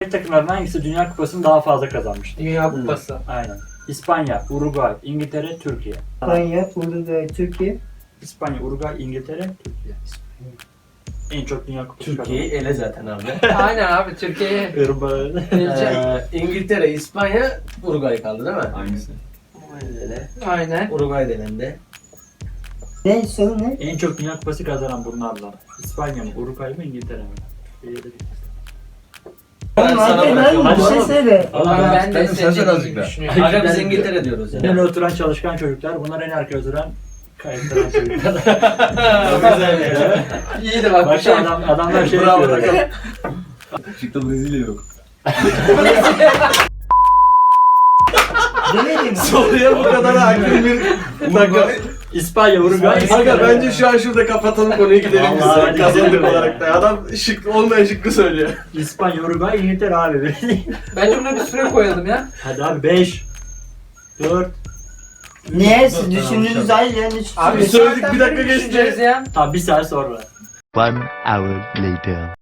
takımların hangisi Dünya Kupası'nı daha fazla kazanmıştır? Dünya Kupası. Aynen. İspanya, Uruguay, İngiltere, Türkiye. İspanya, Uruguay, Türkiye. İspanya, Uruguay, İngiltere, Türkiye. En çok Dünya Kupası Türkiye'yi ele zaten abi. Aynen abi Türkiye'ye Irmağı. gelecek. İngiltere, İspanya, Uruguay kaldı değil mi? Hangisi? Aynen. Uruguay delendi. Ne soru ne? En çok Dünya Kupası kazanan bunlarla. İspanya mı, Uruguay mı, İngiltere mi? Ben Oğlum sana hadi bırakıyorum. lan bir şey söyle. Ama ben de Sen söyle senin azıcık gibi daha. düşünüyorum. Aga biz İngiltere diyoruz En yani. oturan çalışkan çocuklar, bunlar en arkaya oturan kayıtlanan çocuklar. Güzel ya. İyiydi bak. Başka adamlar şey Bravo yapıyor. takım. Çıktı Brezilya yok. Demedim. Soruya bu kadar hakim bir takım. İspanya, Uruguay, Aga bence şu an şurada kapatalım konuyu gidelim biz. Vallahi hadi Kazandık gidelim olarak da. Adam şık olmayan şıkkı söylüyor. İspanya, Uruguay, İngiltere abi. Bence buna bir süre koyalım ya. Hadi abi 5, 4, Niye siz düşündüğünüz hayır yani hiç Abi Biz söyledik, saatten bir dakika beri geçti. düşüneceğiz ya. tamam bir saat sonra. 1 hour later.